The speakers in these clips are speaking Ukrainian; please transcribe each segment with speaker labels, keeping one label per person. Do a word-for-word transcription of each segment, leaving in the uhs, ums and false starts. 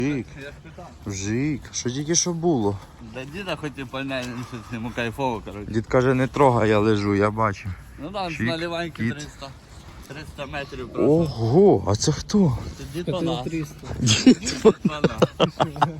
Speaker 1: Вжик, вжик, що тільки що було?
Speaker 2: Да діда хоч і пальне, йому кайфово, коротше.
Speaker 1: Дід каже, не трогай, я лежу, я бачу.
Speaker 2: Ну там з
Speaker 1: Чик,
Speaker 2: наливаньки
Speaker 1: кіт.
Speaker 2: триста. триста метрів просто.
Speaker 1: Ого, а це хто?
Speaker 2: Це дід Панас.
Speaker 1: Дід Панас.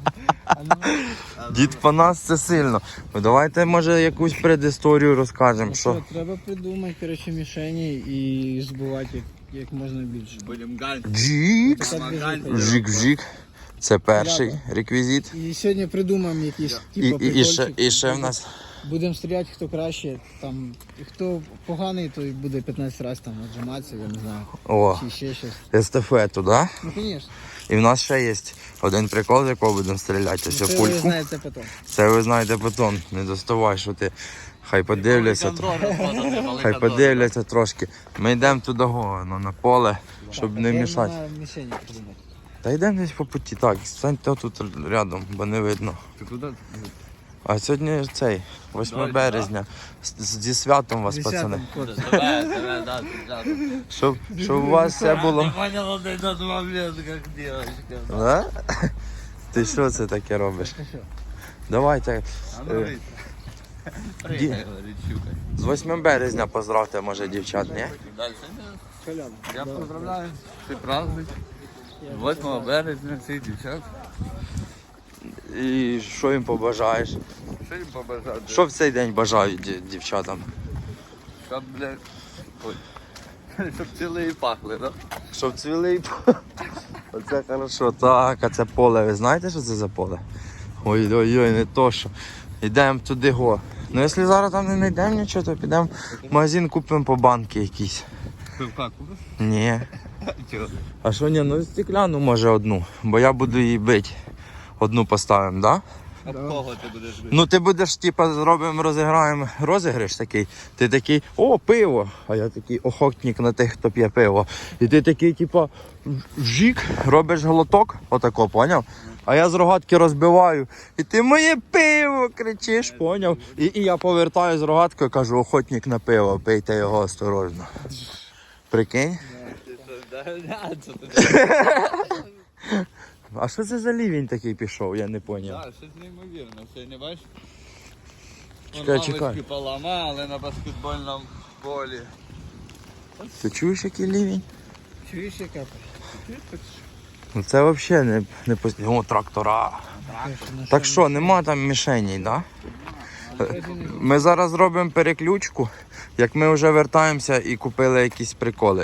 Speaker 1: Дід Панас це сильно. Ну, давайте, може, якусь предісторію розкажемо. Що?
Speaker 3: Що, треба придумати, коротше, мішені і збивати як, як можна більше.
Speaker 2: Будем гань.
Speaker 1: Джік,
Speaker 2: Помагань.
Speaker 1: вжик, вжик. Це перший реквізит.
Speaker 3: І сьогодні придумаємо якісь
Speaker 1: І,
Speaker 3: типу
Speaker 1: і, і, ще,
Speaker 3: прикольчик.
Speaker 1: і ще в нас
Speaker 3: Будемо стріляти, хто краще, там, і хто поганий, той буде п'ятнадцять разів там віджиматися, я не знаю,
Speaker 1: о,
Speaker 3: чи ще щось.
Speaker 1: естафету, да?
Speaker 3: Ну, звісно.
Speaker 1: І в нас ще є один прикол, з якого будемо стріляти. Ось
Speaker 3: Це ви
Speaker 1: пульку.
Speaker 3: знаєте потім.
Speaker 1: Це ви знаєте потім. Не доставай, що ти. Хай подивляться. Хай подивляться трошки. Ми йдемо туди го, ну, на поле, щоб не мішати.
Speaker 3: Треба мішені придумати.
Speaker 1: Та йдемо десь по путі. Так, станьте тут рядом, бо не видно.
Speaker 2: Ти куди?
Speaker 1: А сьогодні цей, восьме березня. З- Зі святом вас,
Speaker 3: Десятим,
Speaker 1: пацани.
Speaker 3: хлопці.
Speaker 2: Тебе, тебе, да, тебе.
Speaker 1: Щоб, щоб у вас все було.
Speaker 2: Ти поняла, ти на момент, як дівчинка.
Speaker 1: Да? Ти що це таке робиш?
Speaker 3: Та що?
Speaker 1: Давайте.
Speaker 2: А ну,
Speaker 1: Е,
Speaker 2: вийди. Пригай, говорить, щукай.
Speaker 1: З восьмим березня поздравте, може, дівчат, ні?
Speaker 2: Дальше.
Speaker 3: Колян.
Speaker 2: Я поздравляю. Ти праздник. восьмого березня всіх дівчат.
Speaker 1: І що їм побажаєш?
Speaker 2: Що їм побажати?
Speaker 1: Що в цей день бажають ді- дівчатам?
Speaker 2: Щоб, блядь, ой, щоб цілі і пахли, да?
Speaker 1: Щоб цвіли і п- Оце хорошо. Так, а це поле, ви знаєте, що це за поле? Ой-ой-ой, не то що. Йдемо туди го. Ну якщо зараз там не знайдемо нічого, то підемо в магазин, купимо по банки якісь.
Speaker 2: Пивка купиш?
Speaker 1: Ні.
Speaker 2: Чого?
Speaker 1: А що ні, ну стекляну може одну, бо я буду її бити. Одну поставимо, так? Да?
Speaker 2: А кого ти будеш бити?
Speaker 1: Ну ти будеш, типа, зробимо, розіграємо розіграш такий. Ти такий, о, пиво. А я такий охотник на тих, хто п'є пиво. І ти такий, типа, вжик, робиш глоток, отако, поняв? А я з рогатки розбиваю. І ти моє пиво кричиш, поняв? І, і я повертаю з рогаткою, кажу, охотник на пиво, пийте його осторожно. Прикинь?
Speaker 2: Ти що, да, да, це ти?
Speaker 1: А що це за лівень такий пішов, я не поняв.
Speaker 2: Так, щось неймовірне, все не бачиш?
Speaker 1: Чекай,
Speaker 2: Вон
Speaker 1: чекай.
Speaker 2: лавочки поламали на баскетбольному полі.
Speaker 1: Ти чуєш, який лівень?
Speaker 3: Чуєш, яка?
Speaker 1: Ну це взагалі не, не постійно. О, трактора. Так що, нема там мішеней, да? Ми зараз зробимо переключку, як ми вже вертаємося і купили якісь приколи.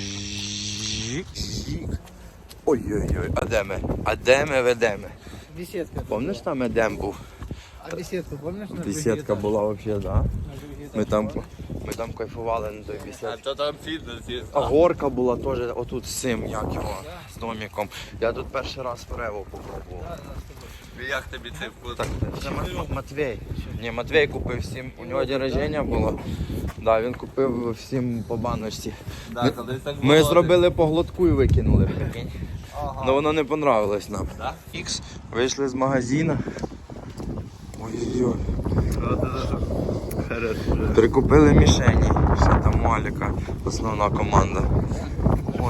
Speaker 1: Жик, жик. Ой-ой-ой, а де ми? А де ми ведемо?
Speaker 3: Бесідка.
Speaker 1: Пам'ятаєш, там Едем був?
Speaker 3: А бесідку, пам'ятаєш? на
Speaker 1: Бесідка
Speaker 3: другий
Speaker 1: була взагалі, да?
Speaker 3: етаж? На другий етаж
Speaker 1: Ми там,
Speaker 3: була?
Speaker 1: ми там кайфували на той
Speaker 2: А
Speaker 1: бесідці.
Speaker 2: то там фітнес є.
Speaker 1: А горка була теж отут з цим, як його, з домиком. Я тут перший раз Форево попробував.
Speaker 2: І як тобі цей вкус?
Speaker 1: Так, це Мат- Матвій. Ні, Матвій купив всім, у нього день рождення було. Да, він купив всім по баночці.
Speaker 2: Да, колись так
Speaker 1: Ми
Speaker 2: було.
Speaker 1: зробили по глотку і викинули, прикинь.
Speaker 2: Ага.
Speaker 1: Ну воно не понравилось нам.
Speaker 2: Да?
Speaker 1: Ікс. Вийшли з магазину. Ой-ой-ой.
Speaker 2: От це що? Хорошо.
Speaker 1: Прикупили мішені. Ще там Маліка, основна команда. Ой,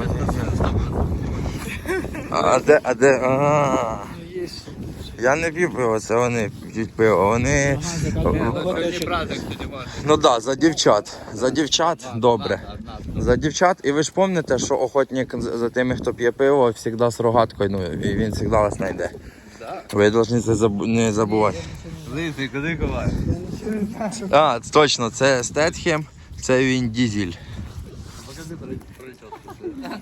Speaker 1: а де, а де? А,
Speaker 3: Ну, є.
Speaker 1: я не п'ю пиво, це вони п'ють пиво. Вони.
Speaker 3: Ага, закалює.
Speaker 2: Сьогодні праздник, ти не можеш.
Speaker 1: Ну так, да, за дівчат. За дівчат добре. За дівчат. І ви ж пам'ятаєте, що охотник за за тими, хто п'є пиво, завжди з рогаткою, ну і він завжди вас знайде.
Speaker 2: Да?
Speaker 1: Ви повинні це забу- не забувати.
Speaker 2: Лисий, куди ховаєш?
Speaker 1: А, точно, це Стетхем, це він Дізель.
Speaker 2: Покажи прическу.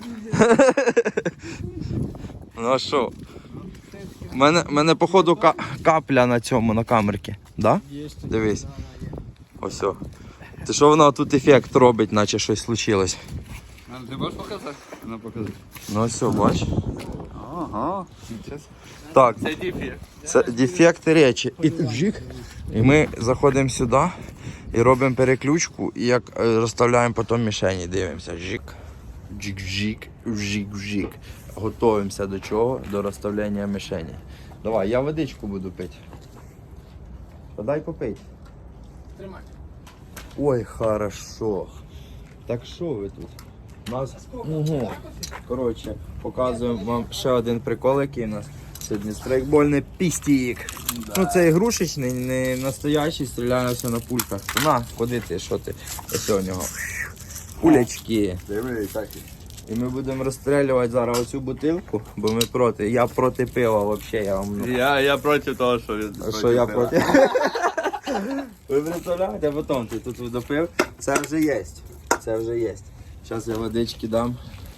Speaker 1: Ну а що? У мене, мене походу ка- капля на цьому, на камерці. Да?
Speaker 3: Є.
Speaker 1: Дивись. Ось. о. Ти що воно тут ефект робить, наче щось случилось.
Speaker 2: А ти можеш показати? Ну покажи.
Speaker 1: Ну ось, о, бач.
Speaker 2: Ага. Зараз.
Speaker 1: Так,
Speaker 2: Це дефект.
Speaker 1: це дефект речі. І вжик. І ми заходимо сюди і робимо переключку, і як е, розставляємо потім мішені, дивимося. Жик, джик-жик, вжик-вжик. Готуємося до чого? До розставляння мішені. Давай, я водичку буду пити. Подай попити.
Speaker 3: Тримай.
Speaker 1: Ой, хорошо. Так що ви тут? У нас, угу. Коротше, показуємо вам ще один прикол, який у нас. сьогодні страйкбольний пістік.
Speaker 2: Да.
Speaker 1: Ну це ігрушечний, не настоящий, стріляє все на пульках. На, ходи ти, що ти? Ось у нього. Пулячки.
Speaker 2: Диви, так.
Speaker 1: І ми будемо розстрілювати зараз оцю бутилку, бо ми проти. Я проти пива взагалі, я вам. ну,
Speaker 2: Я, я проти того, що він.
Speaker 1: А що я проти? Ви представляєте, а потім ти тут допив. Це вже є. Це вже є. Зараз я водички дам.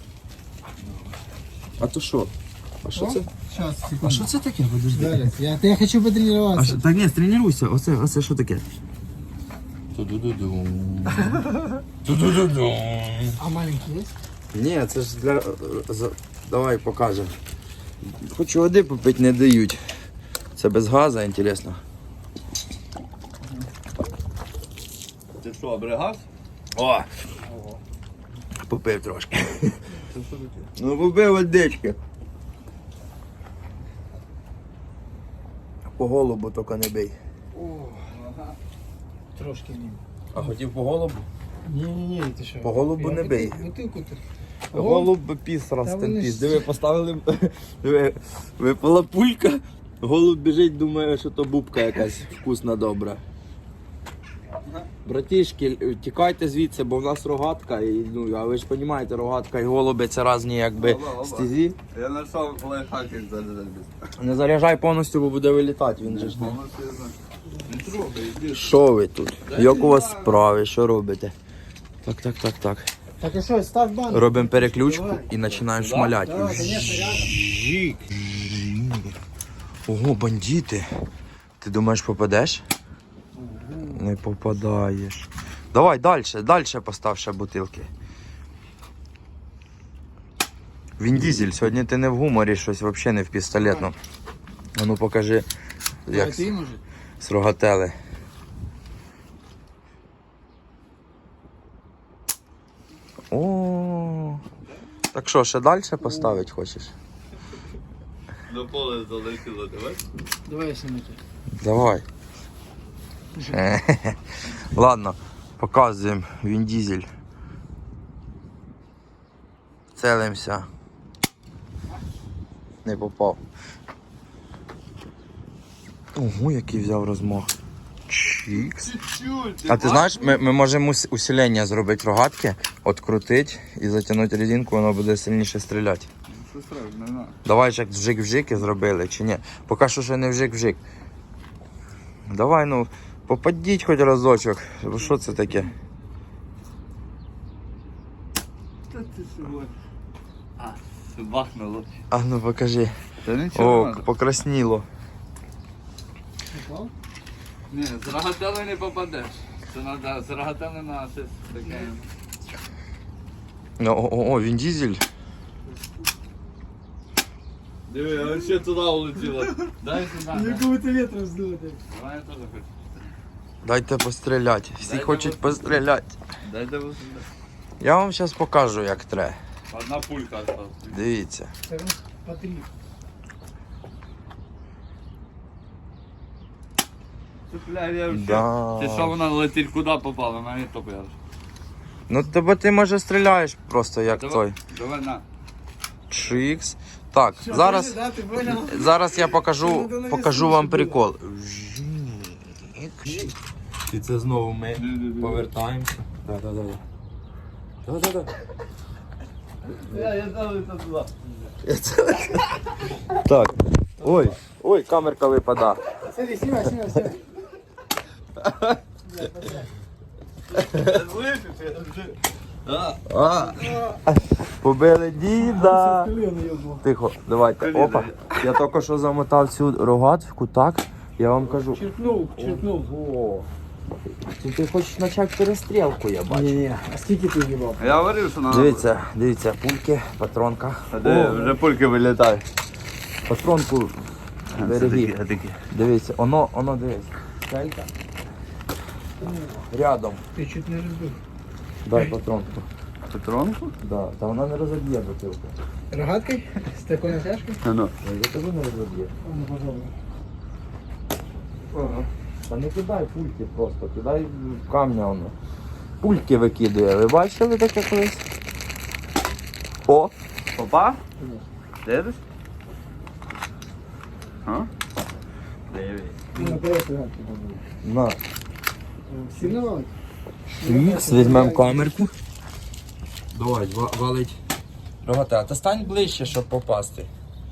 Speaker 1: А то що? А що це?
Speaker 3: Сейчас,
Speaker 1: А що це таке? Подожди.
Speaker 3: Зараз. Я, я хочу
Speaker 1: А
Speaker 3: потренироваться.
Speaker 1: що, так ні, тренуйся. Оце, оце що таке? Ту-ду-ду-дум. Ту-ду-ду-дум.
Speaker 3: А маленький есть?
Speaker 1: Ні, це ж для... за- Давай покажемо. Хочу води попити, не дають. Це без газу, інтересно.
Speaker 2: Ти що, бригав?
Speaker 1: О! Попив трошки. Ну попив водички. По голубу тільки не бий.
Speaker 3: Трошки ні.
Speaker 1: А хотів по голубу?
Speaker 3: Ні-ні-ні, ти що?
Speaker 1: По голубу
Speaker 3: Я
Speaker 1: не
Speaker 3: бутил-
Speaker 1: бий.
Speaker 3: Бутилку ти.
Speaker 1: Голуб піс раз
Speaker 3: Та
Speaker 1: тим
Speaker 3: вони
Speaker 1: піс.
Speaker 3: ж-
Speaker 1: Диви, поставили, диви, випала пулька, голуб біжить, думає, що то бубка якась вкусна, добра. Братішки, тікайте звідси, бо в нас рогатка, і, ну, а ви ж розумієте, рогатка і голуби це різні якби
Speaker 2: Оба, оба.
Speaker 1: стезі.
Speaker 2: Я знайшов лайфхак, як зарядити.
Speaker 1: Не заряджай повністю, бо буде вилітати, він же ж не.
Speaker 2: Повністю я знаю. Не трогай, іди.
Speaker 1: Що ви тут? Як у вас справи? Що робите? Так, так, так, так.
Speaker 3: Так і що, став банк.
Speaker 1: Робимо переключку і починаємо шмаляти.
Speaker 3: Давай, конечно, рядом.
Speaker 1: Жік. Ого, бандити. Ти думаєш, попадеш? Не попадаєш. Давай далі, далі постав ще бутилки. Він дізель, сьогодні ти не в гуморі, щось взагалі не в пістолетну. А ну покажи, як
Speaker 3: А ти, може?
Speaker 1: з рогатели. О, так що, ще далі поставити хочеш?
Speaker 2: До поля залетіло, давай.
Speaker 3: Давай я сниму тут.
Speaker 1: Давай. Ладно, показуємо Він Дізель. Целимося. Не попав. Ого, який взяв розмах. Чікс.
Speaker 2: Чуть-чуть.
Speaker 1: А ти знаєш, ми, ми можемо ус- усилення зробити рогатки, открутити і затягнути резинку, воно буде сильніше стріляти.
Speaker 2: Що сразу, не знаю.
Speaker 1: Давай ж як вжик-вжик і зробили, чи ні? Поки що ще не вжик-вжик. Давай, ну, попадіть хоч разочок. Бо що це таке?
Speaker 2: Та ти сьогодні. А, бахнуло.
Speaker 1: А ну покажи.
Speaker 2: Та нічого
Speaker 1: О,
Speaker 2: не надо.
Speaker 1: покрасніло.
Speaker 3: Попав?
Speaker 2: Ні, з рогатели не попадеш. Це треба з рогатели на щось таке.
Speaker 1: О, о, о, Він Дізель.
Speaker 2: Диви, а ще туди улетіло. Дай сюди.
Speaker 3: Якого-то ветра здути.
Speaker 2: Давай я теж хочу.
Speaker 1: Дайте постріляти. Всі
Speaker 2: Дайте
Speaker 1: хочуть
Speaker 2: постріляти.
Speaker 1: постріляти.
Speaker 2: Дайте ось сюди.
Speaker 1: Я вам зараз покажу, як треба.
Speaker 2: Одна пулька осталась.
Speaker 1: Дивіться.
Speaker 3: Це ну, по три.
Speaker 2: Бля, я вообще...
Speaker 1: Да.
Speaker 2: Ти що вона летить куди попала? Мені то п'яш.
Speaker 1: Ну тебе ти може стріляєш просто як той.
Speaker 2: Давай, давай на.
Speaker 1: Чикс. Так, зараз.
Speaker 3: Да, ти понял?
Speaker 1: Зараз я покажу, покажу вам прикол. І це знову ми повертаємося. Да-да-да. Да-да-да.
Speaker 2: Я, я залиться туди.
Speaker 1: Так. Ой, ой, камерка випада.
Speaker 3: Смотри, снимай, снимай, снимай.
Speaker 2: Слышиш, я вже... А,
Speaker 1: А, побили діда.
Speaker 3: Колено ёбнул.
Speaker 1: Тихо, давайте. Опа. Я тільки що замотав цю рогатку, так? Я вам кажу.
Speaker 3: Черкнул, черкнул.
Speaker 1: Ого. Ти, ти хочеш почати перестрілку, я бачу.
Speaker 3: Не-не, а скільки ти їбав?
Speaker 2: я говорив, що надо.
Speaker 1: Дивіться, дивіться, пульки, патронка.
Speaker 2: А де вже пульки вилітають.
Speaker 1: Патронку береги. Дивіться, оно, оно дивись. Келька. Рядом.
Speaker 3: Ти чуть не розбив.
Speaker 1: Дай патронку.
Speaker 2: Патронку?
Speaker 1: Да. Та вона не розоб'є бутилку.
Speaker 3: Рогаткою? З такою натяжкою?
Speaker 2: А ну.
Speaker 1: Я кажу, не розоб'є.
Speaker 3: Ну, пожалуй.
Speaker 2: Ага.
Speaker 1: Та не кидай пульки просто, кидай в камня воно. Пульки викидує. Ви бачили таке колись? О!
Speaker 2: Попа? Дивиш? А?
Speaker 1: На.
Speaker 3: Сильно?
Speaker 1: Мікс, візьмемо камерку. Давай, ва- валить. Рогате, а ти стань ближче, щоб попасти.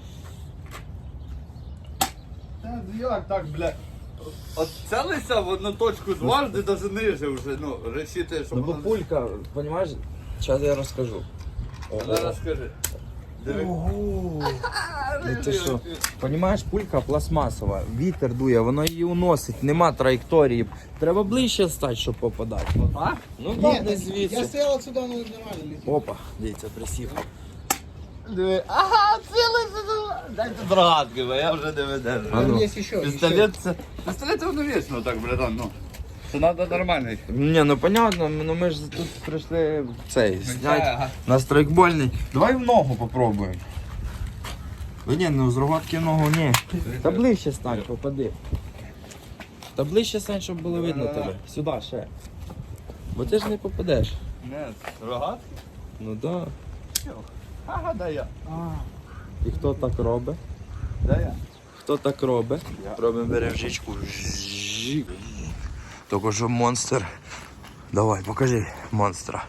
Speaker 2: Та як так, бля? От целися в одну точку дважди, даже ниже вже, ну, решити, щоб
Speaker 1: Ну бо
Speaker 2: воно...
Speaker 1: пулька, розумієш, зараз я розкажу.
Speaker 2: Зараз скажи. Диви.
Speaker 1: Ого. Ну ти що, розумієш, пулька пластмасова, вітер дує, воно її уносить, нема траєкторії. Треба ближче стати, щоб попадати.
Speaker 2: А?
Speaker 1: Ну
Speaker 3: Ні,
Speaker 1: так, не
Speaker 3: я
Speaker 1: звідси.
Speaker 3: стоял сюди, ну нормально летів.
Speaker 1: Опа, дивіться, присів.
Speaker 2: Диви. Ага, целися. Дайте дрогатки, бо я вже не видержу.
Speaker 1: А ну.
Speaker 3: Там є ще.
Speaker 2: Пістолет це... Пістолет воно вічно так, братан, ну. Це треба нормальний.
Speaker 1: Ні, ну понятно, ну ми ж тут прийшли цей, зняти
Speaker 2: Ага.
Speaker 1: на страйкбольний. Давай в ногу попробуємо. Та ні, ну з рогатки в ногу ні. Та ближче стань, попади. Та ближче стань, щоб було видно тебе. Сюди ще. Бо ти ж не попадеш.
Speaker 2: Не, рогатки?
Speaker 1: Ну да.
Speaker 2: Ага, дай я.
Speaker 1: І хто так робить?
Speaker 2: Дай я.
Speaker 1: Хто так робить? Робимо бережичку. Жик. Тільки що монстр. Давай, покажи монстра.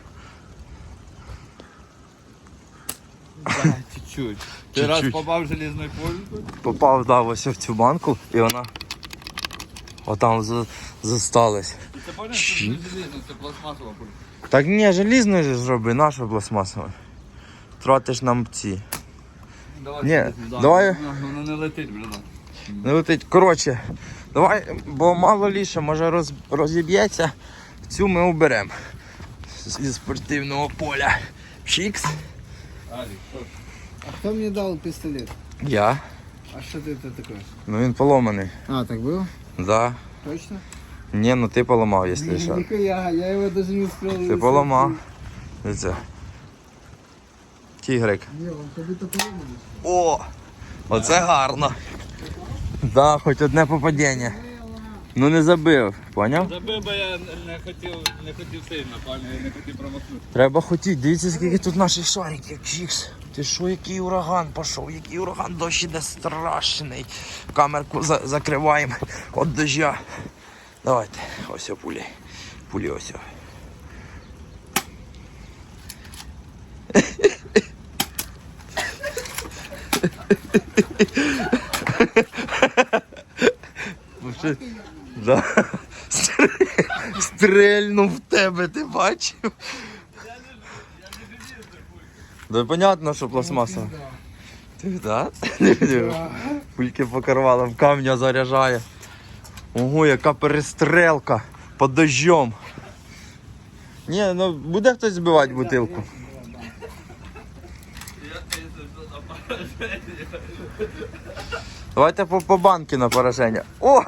Speaker 2: Да, чуть-чуть. Ти раз
Speaker 1: Чуть-чуть.
Speaker 2: попав в железною пулькою?
Speaker 1: Попав, да, ось в цю банку і вона отам за- зосталась.
Speaker 2: Ти поняв, що це не железна, це пластмасова пулька.
Speaker 1: Так ні, желізною ж зроби, наша пластмасова. Тратиш нам ці.
Speaker 2: Давай,
Speaker 1: Ні,
Speaker 2: да.
Speaker 1: давай.
Speaker 2: Воно, воно не летить, братан.
Speaker 1: Не летить. Коротше, давай, бо мало ліше, може роз, розіб'ється. Цю ми уберемо зі спортивного поля. Чікс.
Speaker 2: Алік, що?
Speaker 3: А хто мені дав пістолет?
Speaker 1: Я.
Speaker 3: А що ти це таке?
Speaker 1: Ну він поломаний.
Speaker 3: А, так було?
Speaker 1: Да.
Speaker 3: Точно?
Speaker 1: Ні, ну ти поламав, якщо що.
Speaker 3: Ніхуя, я його даже не успел.
Speaker 1: Ти поламав. Дивіться. Тігрик.
Speaker 3: Ні, він тобі то поломаний.
Speaker 1: О! Оце гарно. Да, хоч одне попадіння. Ну не забив, поняв?
Speaker 2: Забив, бо я не хотів, не хотів сильно, пані, я не хотів промахнути.
Speaker 1: Треба хотіти. Дивіться, скільки тут наших шариків. Чікс. Ти що, який ураган пішов? Який ураган, дощ іде страшний. Камерку за- закриваємо від дождя. Давайте, ось о пулі. Пулі ось. о. Ну, що- Да. Стр- Стрельнув в тебе, ти бачив? Да понятно, що пластмаса. Ти да? Пульки покорвала, в камня заряджає. Ого, яка перестрелка під дождем. Ні, ну буде хтось збивати бутилку. Давайте по, по банки на пораження. О!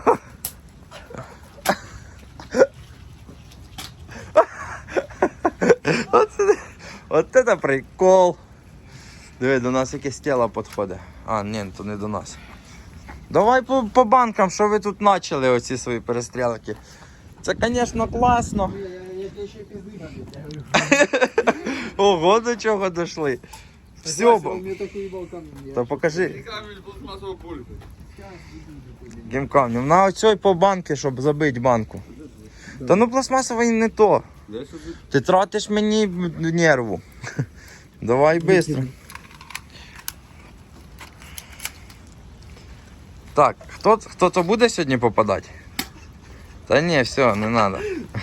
Speaker 1: Оце, от це прикол. Диви, до нас якесь тіло підходить. А, ні, то не до нас. Давай по, по банкам, що ви тут почали, оці свої перестрілки. Це, звісно, класно.
Speaker 3: Я тебе ще пізди.
Speaker 1: Ого, до чого дійшли. Все,
Speaker 3: Вася,
Speaker 1: бо-
Speaker 3: он мне такой ебал камень.
Speaker 1: то покажи
Speaker 2: Камінь пластмасову пульку.
Speaker 1: гімкамнем. На оцій по банки, щоб забити банку. Та ну пластмасова і не то.
Speaker 2: Де собі?
Speaker 1: Ти тратиш мені нерву. Давай швидко. Так, хто, хто то буде сьогодні попадати? Та ні, все, не треба.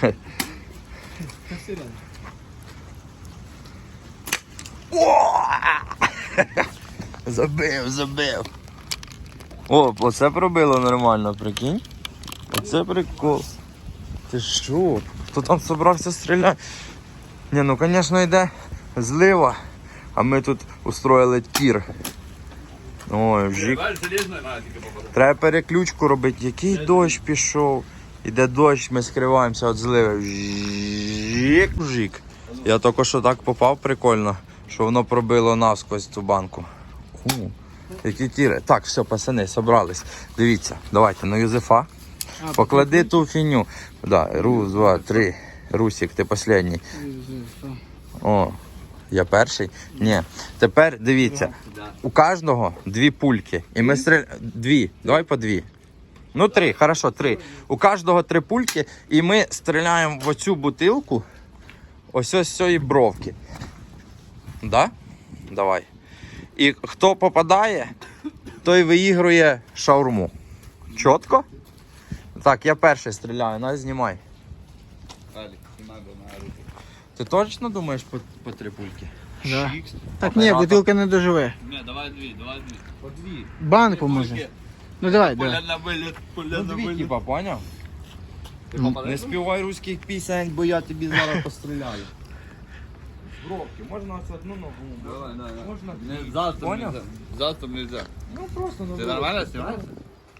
Speaker 1: Забив, забив. О, оце пробило нормально, прикинь. Оце прикол. Ти що? Хто там собрався стріляти? Ні, ну звісно йде злива, а ми тут устроїли тір. Ой, вжик.
Speaker 2: Бачиш, железною треба тільки попадати.
Speaker 1: Треба переключку робити. Який дощ пішов. Іде дощ, ми скриваємося від зливи. Вжик, вжик. Я тільки що так попав прикольно, що воно пробило насквозь цю банку. У, які тіри. Так, все, пацани, собрались. Дивіться, давайте на Юзефа. Поклади ту фіню. Да, рус, два, три. Русик, ти останній. О, Я перший? Ні. Тепер дивіться.
Speaker 2: Да.
Speaker 1: У кожного дві пульки. І ми стріляємо. Дві. Давай по дві. Ну, три, хорошо, три. У кожного три пульки, і ми стріляємо в оцю бутилку ось ось з цієї бровки. Да? Давай. І хто попадає, той виігрує шаурму. Чітко? Так, я перший стріляю, на, знімай.
Speaker 2: Алік, не надо на руки.
Speaker 1: Ти точно думаєш по, по три пульки?
Speaker 3: Да.
Speaker 1: Шікс.
Speaker 3: Так ні,
Speaker 1: Оператор.
Speaker 3: бутилка не доживе.
Speaker 2: Ні, давай дві, давай дві.
Speaker 1: По дві.
Speaker 3: Банку може. Ну давай,
Speaker 2: Пуля
Speaker 3: давай.
Speaker 2: на виліт, пуля
Speaker 1: Ну
Speaker 2: на
Speaker 1: дві,
Speaker 2: виліт.
Speaker 1: типа, поняв?
Speaker 2: Ти
Speaker 3: Ну,
Speaker 2: попадаєш?
Speaker 1: Не співай руських пісень, бо я тобі зараз постріляю. З бровки, можна ось одну ногу.
Speaker 2: Давай, давай, давай.
Speaker 1: Можна
Speaker 2: Не,
Speaker 1: дві.
Speaker 2: завтра
Speaker 1: Поняв?
Speaker 2: нельзя. Завтра нельзя.
Speaker 1: Ну просто на
Speaker 2: Ти
Speaker 1: бровки.
Speaker 2: нормально знімаєшся?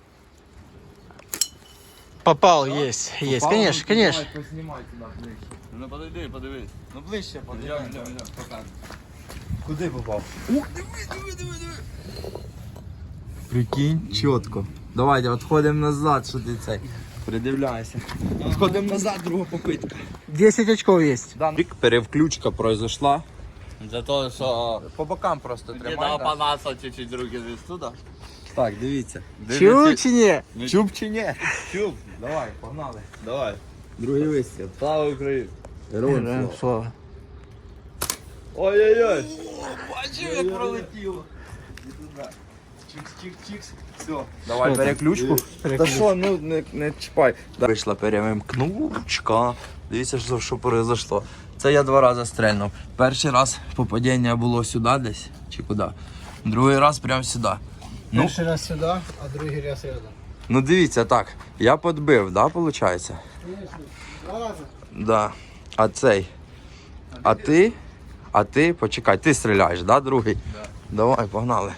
Speaker 3: Попал, есть, есть,
Speaker 1: Попав,
Speaker 3: конечно,
Speaker 1: ну,
Speaker 3: конечно.
Speaker 1: Давай, познімай туди ближче.
Speaker 2: Ну подойди, подивись.
Speaker 1: Ну ближче,
Speaker 2: Йдем,
Speaker 1: подивись.
Speaker 2: йдем, йдем, показуй.
Speaker 1: Куди попав? Ух, диви, диви, диви, диви. Прикинь, чітко. Давайте, відходимо назад, що ти цей. Придивляйся. Відходимо назад, друга попитка.
Speaker 3: десять очков есть.
Speaker 1: Да. Перевключка произошла.
Speaker 2: За те, що
Speaker 1: По бокам просто
Speaker 2: где
Speaker 1: тримай.
Speaker 2: дал
Speaker 1: Да?
Speaker 2: панаса чуть-чуть руки здесь туда.
Speaker 1: Так, дивіться.
Speaker 3: Чуть чи ні?
Speaker 1: Чуб чи ні?
Speaker 2: Чуп.
Speaker 1: Давай, погнали.
Speaker 2: Давай.
Speaker 1: Другий вистріл.
Speaker 2: Слава Україні.
Speaker 3: Героям слава.
Speaker 2: Ой-ой-ой.
Speaker 1: Бачив, як пролетіло. Чикс-чикс-чикс. Все. Давай
Speaker 3: Що там?
Speaker 1: переключку.
Speaker 3: Переключ.
Speaker 1: Та що, ну не, не чіпай. Да. Вийшла перемкнучка. Дивіться, що, що произошло. Це я два рази стрельнув. Перший раз попадіння було сюди десь, чи куди. Другий раз прямо сюди. Ну,
Speaker 3: Перший раз сюди, а другий раз рядом.
Speaker 1: ну дивіться, так. Я подбив, да, виходить?
Speaker 3: Конечно, два рази.
Speaker 1: Да. А цей. А ти? А ти, почекай, ти стріляєш, да, другий?
Speaker 2: Да.
Speaker 1: Давай, погнали.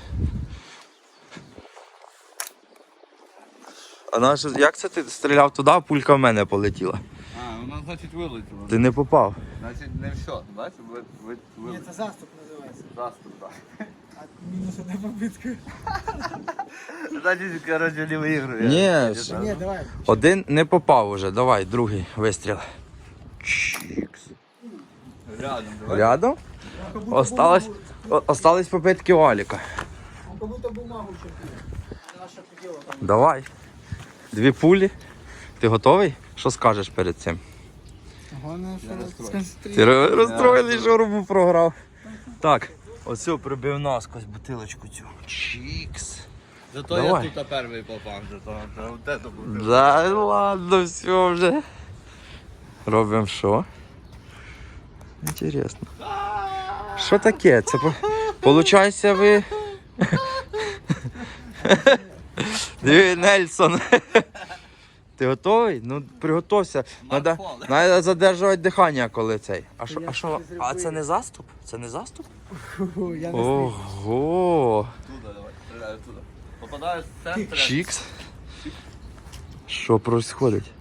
Speaker 1: А наш, як це ти стріляв туди, а пулька в мене полетіла?
Speaker 2: А, у нас, значить, вилетіло.
Speaker 1: Ти не попав.
Speaker 2: Значить, не все. Бачиш, ви, ви,
Speaker 3: Ні,
Speaker 2: вилетіло.
Speaker 3: це заступ називається.
Speaker 2: Заступ, так.
Speaker 3: А мінус одна попитка.
Speaker 2: Значить, коротше, не виіграю.
Speaker 1: Ні,
Speaker 3: Та ні, давай.
Speaker 1: один не попав уже. Давай, другий вистріл. Чікс.
Speaker 2: Рядом, давай.
Speaker 1: Рядом? Осталось, о- остались попитки у Аліка.
Speaker 3: Он как будто бумагу чертил. Наша хотела там.
Speaker 1: Давай. Дві пулі. Ти готовий? Що скажеш перед цим?
Speaker 3: Головне, що
Speaker 1: Ти
Speaker 3: сконцентруйся.
Speaker 1: ро- розстроєний, що рубу програв. Так, оцю прибив наскось бутилочку цю. Чікс.
Speaker 2: Зато
Speaker 1: Давай.
Speaker 2: я тут перший попав, зато от це буде.
Speaker 1: Да ладно, все вже. Робимо що? Інтересно. Що таке? Це по- получається ви. Диви, Нельсон. Ти готовий? Ну приготовся. Надо,
Speaker 2: Марфол.
Speaker 1: надо задержувати дихання, коли цей. А що,
Speaker 3: Я
Speaker 1: а що?
Speaker 3: щось
Speaker 1: А це
Speaker 3: зробив.
Speaker 1: не заступ? Це не заступ?
Speaker 3: Фу, я не стиг.
Speaker 1: Ого.
Speaker 2: Туди давай, стріляю туди. Попадаєш в центр.
Speaker 1: Чікс. Що происходить?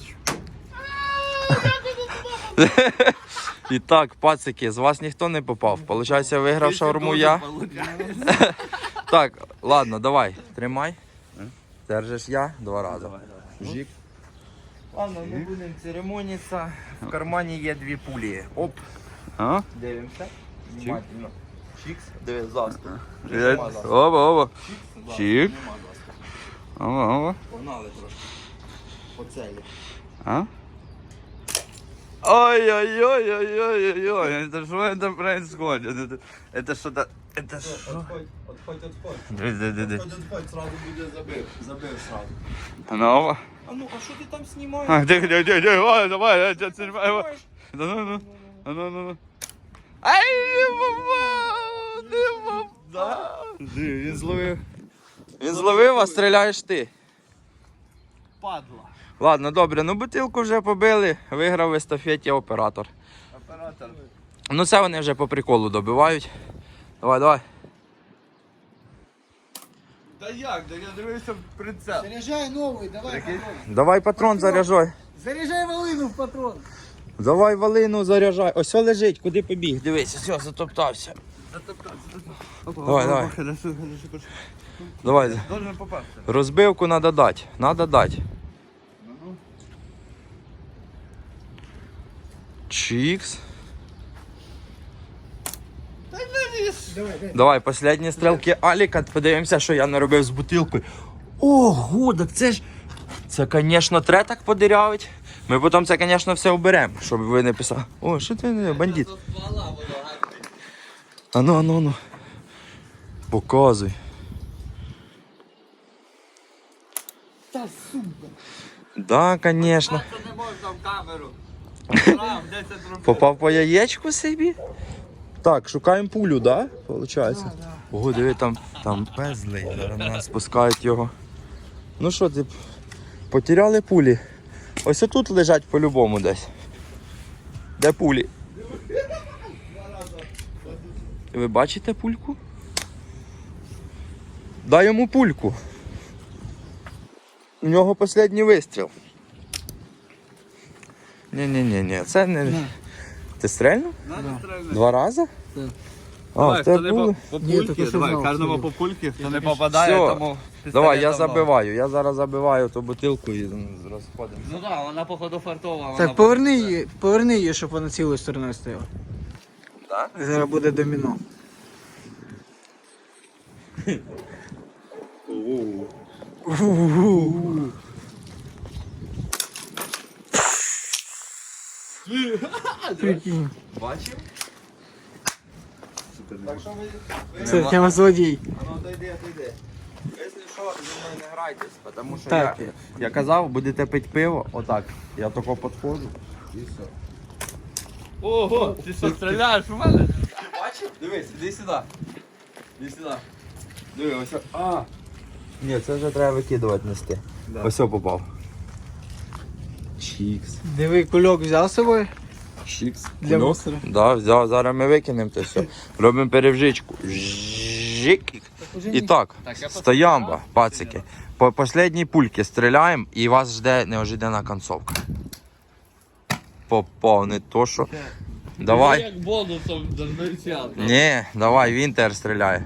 Speaker 1: І так, пацики, з вас ніхто не попав. Получається, виграв шаурму я. Так, ладно, давай, тримай. Держиш я два рази. Жік. Ладно, ми будемо церемонитися. В кармані є дві пулі. Оп,
Speaker 2: А?
Speaker 1: дивимося. Внимательно. Чікс, диви, заступ.
Speaker 2: Оба, оба.
Speaker 1: Чікс,
Speaker 2: Чік.
Speaker 1: нема заступу.
Speaker 2: Оба, оба.
Speaker 1: Погнали трошки. По целі.
Speaker 2: А? Ой-ой-ой-ой-ой-ой. Это что это происходит? Это, это что-то... Это что?
Speaker 1: Отходь, отходь, отходь.
Speaker 2: Дивись, дивись, дивись.
Speaker 1: Отходь, отходь, сразу буде забив. Забив сразу.
Speaker 2: Ну,
Speaker 1: А ну, а що ти там знімаєш?
Speaker 2: а, тихо, тихо, тихо, тихо, ой, давай, я тебя снимаю. Да ну, ну, ну, ну, ну, ну. Ай, не попав, не попав.
Speaker 1: Диви, він зловив. Він зловив, а стріляєш ти.
Speaker 2: Падла.
Speaker 1: Ладно, добре, ну бутилку вже побили, виграв в естафеті оператор.
Speaker 2: Оператор.
Speaker 1: Ну це вони вже по приколу добивають. Давай, давай.
Speaker 2: Та як? Да я дивився в прицел.
Speaker 3: Заряжай новый, давай
Speaker 2: Прикинь.
Speaker 3: патрон.
Speaker 1: Давай патрон заряджай.
Speaker 3: Заряжай волыну в патрон.
Speaker 1: Давай валину заряджай. Ось о лежить, куди побіг. Дивись, все, затоптався. Давай, давай.
Speaker 2: Хорошо, хорошо, хорошо.
Speaker 1: Давай.
Speaker 2: Должен попасти.
Speaker 1: Розбивку треба дати. Треба дати. Чікс. Давай, останні стрілки Аліка, подивимося, що я наробив з бутилкою. Ого, так це ж... Це, звісно, треба так подирявить. Ми потім це, звісно, все оберемо, щоб ви не писали. О, що ти не бандит? Ану, ану, ану. Показуй.
Speaker 3: Та сука.
Speaker 1: Да, звісно.
Speaker 2: Це не можна в камеру.
Speaker 1: Попав по яєчку собі? Так, шукаємо пулю, да? Получається?
Speaker 3: Да, да.
Speaker 1: Ого, диви, там, там пезлий, зараз нас спускають його. Ну що ти, потеряли пулі? Ось тут лежать по-любому десь. Де пулі? Ви бачите пульку? Дай йому пульку. У нього останній вистріл. Ні-ні-ні, це не...
Speaker 3: На.
Speaker 1: Ти стрельнув?
Speaker 2: Надо стрельнути.
Speaker 1: Два рази?
Speaker 3: Так.
Speaker 1: А,
Speaker 2: Давай,
Speaker 1: в тебе
Speaker 2: хто не
Speaker 1: були?
Speaker 2: по, по
Speaker 3: Ні,
Speaker 2: пульки,
Speaker 3: тільки що
Speaker 2: давай,
Speaker 3: знав,
Speaker 2: кожному
Speaker 3: що
Speaker 2: по пульки, хто не попадає,
Speaker 1: Всьо.
Speaker 2: тому пістолет
Speaker 1: Давай, я
Speaker 2: давно.
Speaker 1: забиваю, я зараз забиваю ту бутилку і розходимося.
Speaker 2: Ну так, вона походу фартова. вона
Speaker 3: Так, поверни
Speaker 2: походу-
Speaker 3: її, поверни її, щоб вона цілою стороною стояла.
Speaker 1: Да?
Speaker 3: Зараз буде доміно. Прикинь.
Speaker 1: Бачив? Так що ви... ви-
Speaker 3: Це прямо злодій.
Speaker 1: А ну дойди, дойди. Якщо що, зі мною не грайтесь, тому що
Speaker 3: Так.
Speaker 1: я, я казав, будете пити пиво, отак. Я тако підходжу і все.
Speaker 2: Ого, ти що, стріляєш у мене?
Speaker 1: Ти бачив? Дивись, іди сюди. Іди сюди. Диви, ось. о- А! Ні, це вже треба викидувати нести.
Speaker 2: Да.
Speaker 1: Ось о попав. Чікс.
Speaker 3: Диви, кульок взяв з собою?
Speaker 1: Чікс.
Speaker 3: Для
Speaker 1: Кульок?
Speaker 3: мусора.
Speaker 1: Да, взяв, зараз ми викинемо це все. Робимо перевжичку. Жик. І так,
Speaker 2: Так, я
Speaker 1: стоямба, пацики. По последній пульки стріляємо і вас жде неожиданна концовка. Попав, не то що. Давай.
Speaker 2: Як бонусом зазначати.
Speaker 1: Ні, давай, Вінтер стріляє.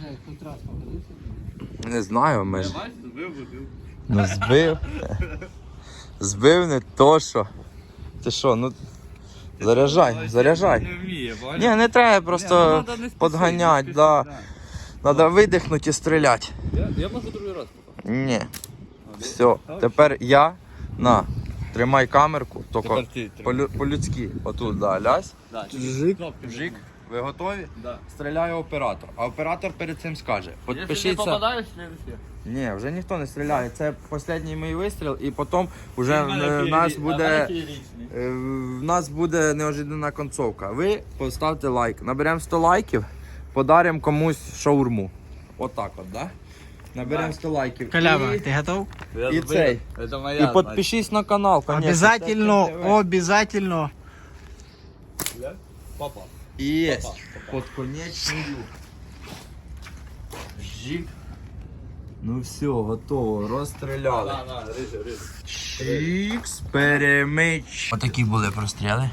Speaker 1: Не знаю, ми ж.
Speaker 2: Бачиш, збив бутилку.
Speaker 1: Ну збив. Збив не то що. Ти що, ну. Заряджай, заряджай.
Speaker 2: Не вміє, бачиш?
Speaker 1: Ні, не треба
Speaker 2: Ні, ну,
Speaker 1: просто
Speaker 2: надо не спішити,
Speaker 1: подганять,
Speaker 2: не
Speaker 1: да.
Speaker 2: спішити,
Speaker 1: Треба видихнути і стріляти.
Speaker 2: Я, я можу другий раз попав.
Speaker 1: Ні. Все, тепер я на. Тримай камерку, тільки
Speaker 2: Тепер ти тримай.
Speaker 1: по-лю- по-людськи. Отут, да, лясь.
Speaker 2: Да,
Speaker 3: Жик.
Speaker 1: Жик. Ви готові?
Speaker 2: Да.
Speaker 1: Стріляє оператор. А оператор перед цим скаже.
Speaker 2: Якщо не
Speaker 1: Підпишіться.
Speaker 2: попадаєш, следующий.
Speaker 1: Ні, вже ніхто не стріляє. Це останній мій вистріл, і потім вже
Speaker 2: У мене
Speaker 1: в, в нас
Speaker 2: феєрі- а в
Speaker 1: буде.
Speaker 2: мене феєричний.
Speaker 1: Е, В нас буде неожиданна концовка. Ви поставте лайк. Наберемо сто лайків, подаримо комусь шаурму. Отак от, да? Наберемо сто лайків.
Speaker 3: Калява,
Speaker 1: І,
Speaker 3: ти готов?
Speaker 2: Я
Speaker 1: і
Speaker 2: збив.
Speaker 1: цей.
Speaker 2: Це моя,
Speaker 1: І підпишись на канал, конечно.
Speaker 3: Обязательно,
Speaker 1: Це ТВ.
Speaker 3: обязательно.
Speaker 2: значить. Попав.
Speaker 1: Є.
Speaker 2: Попав,
Speaker 1: Под конечною. Жік. Ну все, готово, розстріляли.
Speaker 2: На, на, рижи, рижи.
Speaker 1: Чікс, перемич. Отакі були простріли.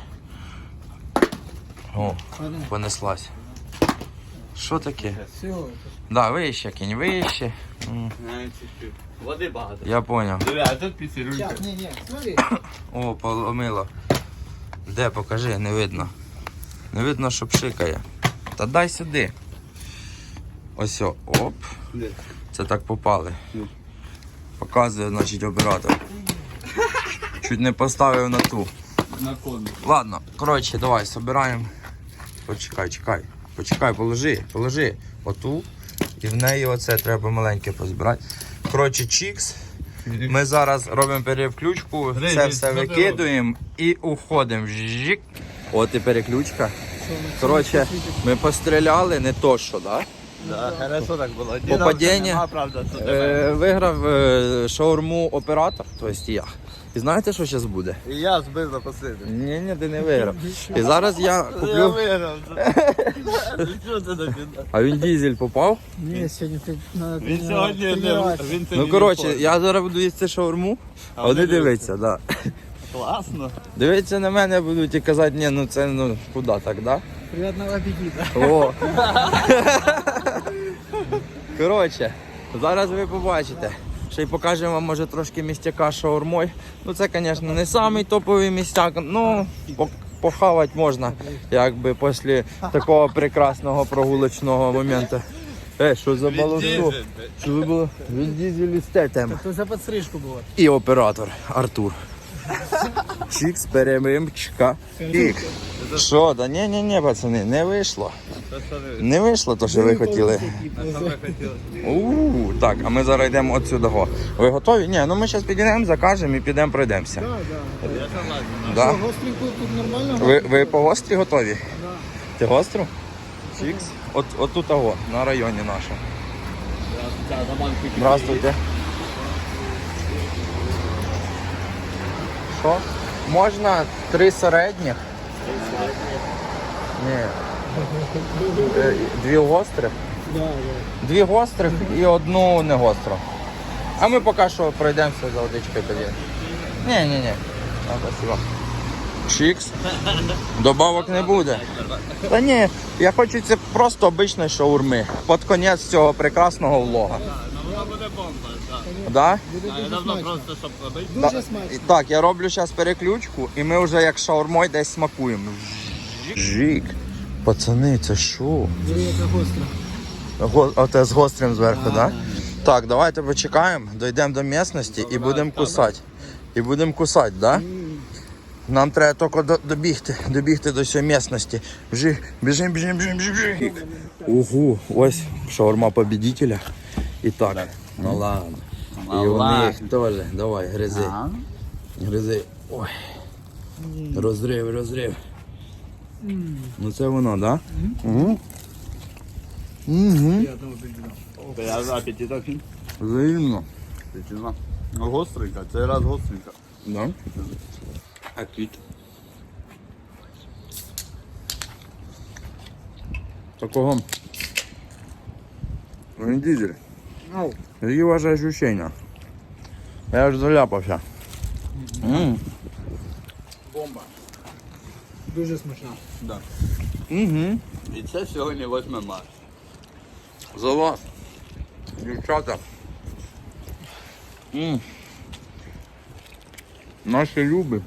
Speaker 1: О, понеслась. Що таке?
Speaker 3: Все.
Speaker 1: Да, вище, кінь, вище. М,
Speaker 2: На, чуть-чуть. Води багато.
Speaker 1: Я поняв.
Speaker 2: Диви, а тут пісірюлька.
Speaker 3: Сейчас, не, не, смотри.
Speaker 1: О, поломило. Де, покажи, не видно. Не видно, що пшикає. Та дай сюди. Ось, о, оп.
Speaker 2: Де?
Speaker 1: Це так попали.
Speaker 2: Ну.
Speaker 1: Показує, значить, оператор. Чуть не поставив на ту.
Speaker 2: На кон.
Speaker 1: Ладно, коротше, давай, собираємо. Почекай, чекай. Почекай, положи, положи. Оту. І в неї оце треба маленьке позбирати. Коротше, чікс. Ми зараз робимо переключку,
Speaker 2: Рей,
Speaker 1: це
Speaker 2: Рей,
Speaker 1: все
Speaker 2: що ти
Speaker 1: викидуємо і уходимо. Жик. От і переключка. Коротше, ми постріляли, не то що, да?
Speaker 2: Да, хорошо так було.
Speaker 1: Попадіння.
Speaker 2: Нема, правда, це тебе.
Speaker 1: Е, виграв е, шаурму оператор, тобто я. І знаєте, що зараз буде?
Speaker 2: І я збив на послідний.
Speaker 1: Ні, ні, ти не виграв. І зараз я
Speaker 2: Я
Speaker 1: куплю.
Speaker 2: виграв. Що це таке?
Speaker 1: А він дізель попав.
Speaker 3: Не, сегодня ты надо
Speaker 2: Він
Speaker 3: тренировать-
Speaker 2: сьогодні не
Speaker 3: тренироваться.
Speaker 2: він
Speaker 1: Ну коротше, я зараз буду їсти шаурму, а вони дивляться, да.
Speaker 2: Класно.
Speaker 1: Дивиться на мене, будуть і казати, ні, ну це ну куди так, да?
Speaker 3: Приятного аппетита.
Speaker 1: О. Коротше, зараз ви побачите. Ще й покажемо вам, може, трошки містяка з шаурмою. Ну це, звісно, не самий топовий містяк, ну пок- похавати можна, якби після такого прекрасного прогулочного моменту. Е, що за баловство? Що ви було? Він дізель з тетем.
Speaker 3: То за підстрижку було.
Speaker 1: І оператор Артур. Чікс, перемимчика. Пік. Що? Да ні, ні, ні, пацани, не вийшло. Не вийшло то, що ви хотіли. У, так, а ми зараз йдемо отсюди. Го. Ви готові? Ні, ну ми зараз підійдемо, закажемо і підемо пройдемося.
Speaker 3: Так, так.
Speaker 1: Да?
Speaker 3: Гостренько тут нормально?
Speaker 1: Ви, ви по гострі готові? Ти гостру? Чікс. От, от тут того, на районі нашому. Здравствуйте. Що? Можна три середніх? Ні. Е, Дві гострих?
Speaker 3: Да, да.
Speaker 1: Дві гострих і одну не гостру. А ми поки що пройдемося за водичкою тоді. Ні, ні, ні. А, спасибо. Чікс. Добавок не буде. Та ні, я хочу це просто обичної шаурми. Під кінець цього прекрасного влога.
Speaker 2: Вона буде бомба, так.
Speaker 1: Да?
Speaker 3: Буде
Speaker 2: Я
Speaker 3: дуже
Speaker 2: давно
Speaker 3: смачно.
Speaker 2: просто, щоб робити.
Speaker 3: Дуже
Speaker 1: Та-
Speaker 3: смачно.
Speaker 1: Так, я роблю зараз переключку і ми вже як шаурмою десь смакуємо. Жик. Пацани, це що?
Speaker 3: Диви, яка гостра.
Speaker 1: Го... Оте з гострим зверху, так?
Speaker 3: Да,
Speaker 1: Да?
Speaker 3: да.
Speaker 1: Так, давайте почекаємо, дійдемо до місцевості і будемо кусати. І будемо кусати, так? Да? Нам треба тільки до- добігти, добігти до цієї місцевості. Біжи, біжим, біжим, біжим, біжим, біжим. Угу, ось шаурма победителя. І так, ну ладно. І у них теж. Давай, гризи. Гризи. Ой. Розрив, розрив. Ну це воно, так? Да? Угу. Угу.
Speaker 2: Я за апетиток.
Speaker 1: Взаємно.
Speaker 2: Апетитно. Ну, гостренька, цей раз гостренька.
Speaker 1: Да? Апіт. Такого. Він дизель.
Speaker 3: Ау.
Speaker 1: Які ваші ощущення? Я аж заляпався. М.
Speaker 3: Бомба. Дуже смачна.
Speaker 2: Да.
Speaker 1: Угу.
Speaker 2: І це сьогодні восьме марта.
Speaker 1: За вас. Дівчата. М. Наші люби.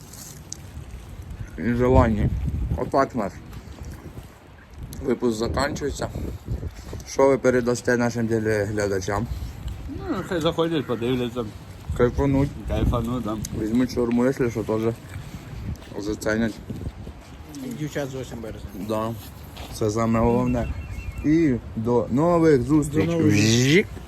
Speaker 1: І желання. Отак наш. Випуск закінчується. Що ви передасте нашим телеглядачам?
Speaker 2: Ну, хай заходять, подивляться,
Speaker 1: Кайфануть.
Speaker 2: кайфану там.
Speaker 1: Візьмуть шаурму, якщо що, теж зацінять.
Speaker 3: Дівчат з восьмого березня.
Speaker 1: Да. Це саме головне. І до нових зустрічей.
Speaker 3: До нових
Speaker 1: Жік.